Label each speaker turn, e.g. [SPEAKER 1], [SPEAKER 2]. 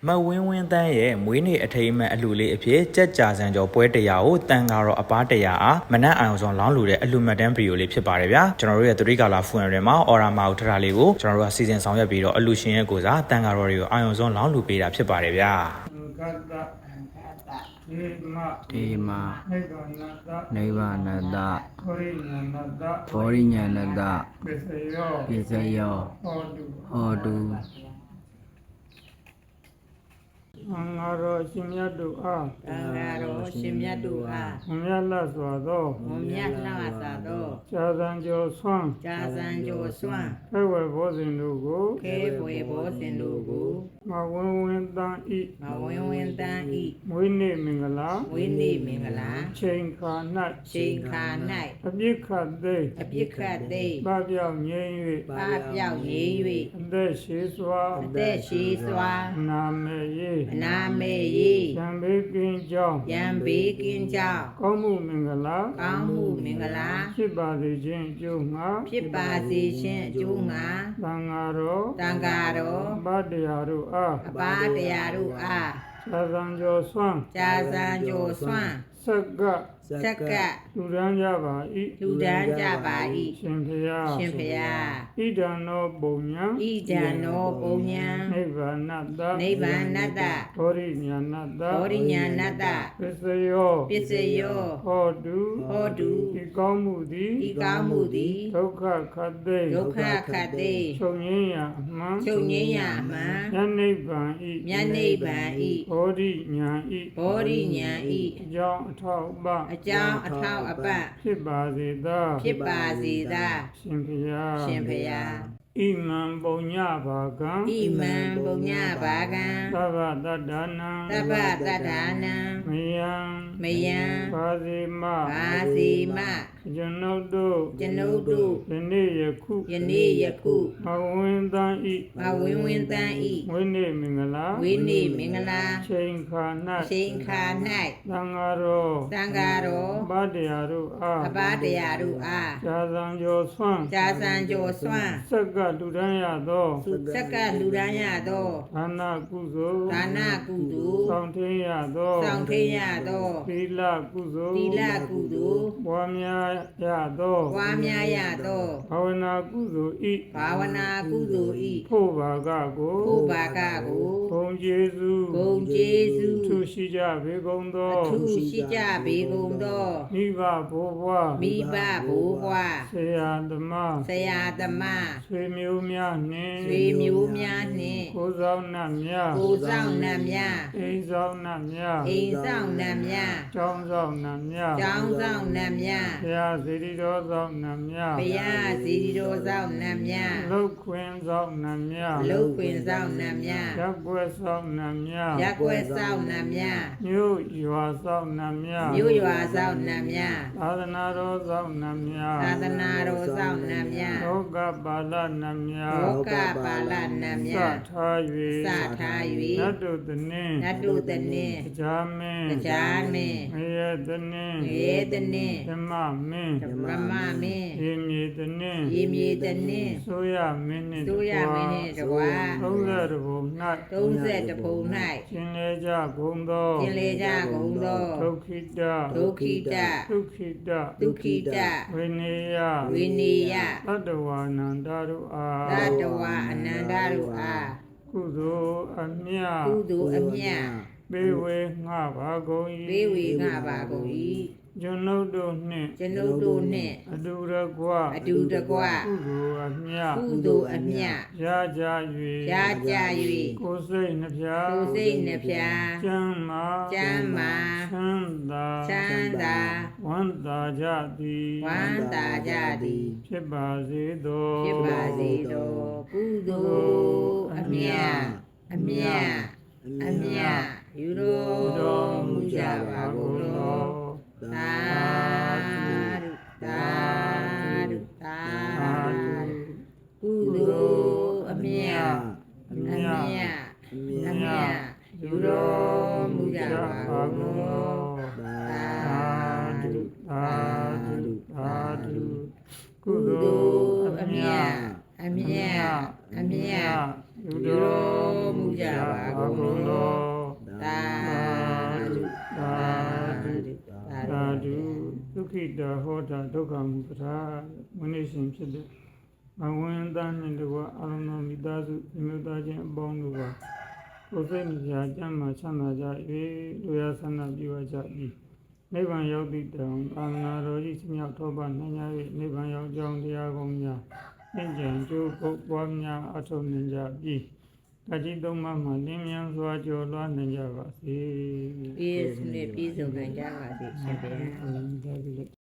[SPEAKER 1] မဝင်းဝင်းတန်းရဲ့မွေးနေ့အထိမ်းအမှတ်အလှူလေးအဖြစ်ကြက်ကြာစံကျော်ပွဲတရားကိုတန်ကတော့အပားတရားအားမနက်အောင်ဆောင်လောင်းလူတဲ့အလှူမှတ်တမ်းဗီဒီယိုလေးဖြစ်ပါတယ်ဗျာကျွန်တော်တို့ရဲ့သတိကာလဖူရတွေမှာအော်ရာမာကိုထထားလေးကိုကျွန်တော်တို့ကစီစဉ်ဆောင်ရွက်ပြီးတော့အလှူရှင်ရဲ့ကိုစားတန်ကတော့တွေကိုအာရုံဆုံးလောင်းလူပေးတာဖြစ်ပါတယ်ဗျာ
[SPEAKER 2] ေမာနိဗ္ဗာနတဘောရိညာဏတပစ္စယောဟောတု
[SPEAKER 3] သံဃာတော်ရှင်မြတ်တို့အား
[SPEAKER 4] သံဃာတော်ရှင်မြတ်တို့အား
[SPEAKER 3] မမြတ်လတ်စွာသော
[SPEAKER 4] မမြတ်လှစွာသော
[SPEAKER 3] ကြာစံကျော်ဆွမ်း
[SPEAKER 4] ကြာစံကျော်စွမ်း
[SPEAKER 3] ခဲဝယ်ဘောဇင်တို့ကို
[SPEAKER 4] ခဲပွေဘောဇင်တို့ကို
[SPEAKER 3] မဝင်းဝင်းတန်းဤ
[SPEAKER 4] မဝင်းဝင်းတန်းဤ
[SPEAKER 3] မွေးနေ့မင်္ဂလာ
[SPEAKER 4] ဝိနေမင်္ဂလာ
[SPEAKER 3] ချိန်ခါ၌
[SPEAKER 4] ချိန်ခါ၌
[SPEAKER 3] အပြစ်ခတ်သိ
[SPEAKER 4] အပြစ်ခတ်သိ
[SPEAKER 3] ပပြောက်ငြိမ်း
[SPEAKER 4] ပပျောက်ငြိမ်း
[SPEAKER 3] ၍အသက်ရှိစွာ
[SPEAKER 4] အသက်ရှိစွာ
[SPEAKER 3] နာမေယေ
[SPEAKER 4] အနာမေယေ
[SPEAKER 3] ရံဘေးကင်းကြောင်း
[SPEAKER 4] ရံဘေးကင်းကြောင်း
[SPEAKER 3] ကောင်းမှုမင်္ဂလာ
[SPEAKER 4] ကောင်းမှုမင်္ဂလာ
[SPEAKER 3] ဖြစ်ပါစေခြင်းအကျိုးငှာ
[SPEAKER 4] ဖြစ်ပါစေခြင်းအကျိုးငှာ
[SPEAKER 3] သံဃာတော်
[SPEAKER 4] သံဃာတော်
[SPEAKER 3] ဗတ္တရားတို့အား
[SPEAKER 4] အပါတရားတို့အား
[SPEAKER 3] သာသံကျော်ဆွမ်း
[SPEAKER 4] ကြာစံကျော်စွမ်း
[SPEAKER 3] ဆက်ကလူဒန်းကြပါ၏
[SPEAKER 4] လူဒန်းကြပါ၏
[SPEAKER 3] ရှင်ဖျား
[SPEAKER 4] ရှင်ဖျား
[SPEAKER 3] ဣဒံနောပုံညာ
[SPEAKER 4] ဣဒံနောပုံညာ
[SPEAKER 3] နိဗ္ဗာနတ
[SPEAKER 4] နိဗ္ဗာနတ
[SPEAKER 3] ဘောရိညာဏတ
[SPEAKER 4] ဘောရိညာဏတ
[SPEAKER 3] ပစ္စယော
[SPEAKER 4] ပစ္စယော
[SPEAKER 3] ဟောတုဤကောင်းမှုသည်
[SPEAKER 4] ဤကောင်းမှုသည်
[SPEAKER 3] ဒုက္ခခတ်သိ
[SPEAKER 4] ဒုက္ခခတ်သိ
[SPEAKER 3] ချုပ်ငြိမ်းရာအမှန်
[SPEAKER 4] ချုပ်ငြိမ်းရာအမှန်
[SPEAKER 3] ဉာဏ်နိဗ္ဗာန်ဤ
[SPEAKER 4] ဉာဏ်နိဗ္ဗာန်ဤ
[SPEAKER 3] ဘောရိညာဤ
[SPEAKER 4] ဘောရိညာဤ
[SPEAKER 3] အကြောင်းအထောက်ပ
[SPEAKER 4] အကြောင်းအထောက်အပံ့
[SPEAKER 3] ဖြစ်ပါစေသာ
[SPEAKER 4] ဖြစ်ပါစေသာ
[SPEAKER 3] ရှင်ဖျား
[SPEAKER 4] ရှင်ဖျား
[SPEAKER 3] ဣမံပုံညဘာကံ
[SPEAKER 4] ဣမံပုံညဘာကံ
[SPEAKER 3] သဗ္ဗတတ္ထာနံ
[SPEAKER 4] သဗ္ဗတတ္ထာနံ
[SPEAKER 3] မယံဘာစီမ
[SPEAKER 4] ဘာစီမ
[SPEAKER 3] ကျွန်ုပ်တို့ယနေ့ယခုမဝင်းတန်းဤ
[SPEAKER 4] မဝင်းဝင်းတန်းဤ
[SPEAKER 3] ဝိနေမင်္ဂလာချိန်ခါ
[SPEAKER 4] ၌
[SPEAKER 3] သံဃာတော်
[SPEAKER 4] ဗ
[SPEAKER 3] တတရားတို့အား
[SPEAKER 4] အပါတရားတို့အား
[SPEAKER 3] ကြာစံကျော်ဆွမ်းဆက်ကလူဒန်းရသောဒါနကုသိုလ်ဆောင်ထင်းရသောသီလကုသိုလ်ပွားများရသော
[SPEAKER 4] ဘာ
[SPEAKER 3] ဝနာကုသိုလ်ဤဖို့ဘာကကိုဂုံကျေးဇူးထုရှိကြပေကုန်သောမိဘဘိုးဘွားဆရာသမားဆွေမျိုးများနှင့်ကိုယ်ဆောင်နှံ့များအိမ်ဆောင်နှံ့များကျောင်းဆောင်နှံ့များဘုရားစေတီတော်ဆောင်နှံ့များလုတ်ခွင်ဆောင်နှံ့များ
[SPEAKER 4] လုပ်ခွင်ဆောင်နှံများ
[SPEAKER 3] ရက်ွယ်ဆောင်နှံ့များ
[SPEAKER 4] ရက်ွယ်ဆောင်နှံများ
[SPEAKER 3] မြို့ရွာဆောင်နှံ့များ
[SPEAKER 4] မြို့ရွာဆောင်နှံများ
[SPEAKER 3] သာသနာတော်ဆောင်နှံ့များ
[SPEAKER 4] သာသနာတော်ဆောင်နှံများ
[SPEAKER 3] လောကပါဠနှံ့များ
[SPEAKER 4] လောကပါဠနှံများ
[SPEAKER 3] စထား၍နတ်တို့တနည်းကြားမင်းငရဲတနည်းဓမ္မမင်းရေမြေတနည်းဆိုရမင်းနှင့်တကွာ30ဘုံ၌ရှင်လေကြကုန်သောဒုက္ခိတဝိနေယသတ္တဝါနန္ဒတို့အားကုသိုလ်အမြတ်ပေးဝေငှပါကုန်၏ကျွန်ုပ်တို့နှင့်အတူတကွ
[SPEAKER 4] ကုသိုလ်အမြတ်
[SPEAKER 3] ရကြ၍ကိုယ်စိတ်နှဖျားကျမ်းမာချမ်းသာဝမ်းသာကြသည်ဖြစ်ပါစေသော
[SPEAKER 4] ကုသိုလ်အမြတ်ယူတော်မူကြပါကုန်သောသာဓုကုသိုလ်အမြတ်ယူတော်မူကြပါကုန်သောသာဓုကုသိုလ်အမြတ်ယူတော်မူကြပါကုန်လောသာဓုသာဓုသာဓု
[SPEAKER 3] ဒုက္ခိတဟောတာဒုက္ခမူပ္ပါမနိရှင်ဖြစ်တဲ့ဘဝန္တနှင့်တကွအာရုံတော်မိသားစုမြတ်သားချင်းအပေါင်းတို့ကကိုယ်စိတ်မြာကျမ်းမှာချမ်းသာကြ၍လူရဆန္ဒပြုကြပြီးနိဗ္ဗာန်ရောက်သည့်တောင်အာမနာတော်ကြီးစမြောက်ထောပနိုင်ကြ၍နိဗ္ဗာန်ရောက်ကြောင်းတရားကောင်းများသင်္ကြန်ကျိုးပုတ်ပွားများအထောက်နိုင်ကြပြီးတတိသုံးပါးမှာလင်းမြန်စွာကျော်လွှားနိုင်ကြပါစေ
[SPEAKER 4] ပြည့်စုံနိုင်ကြပါစေရှင်ဗျာ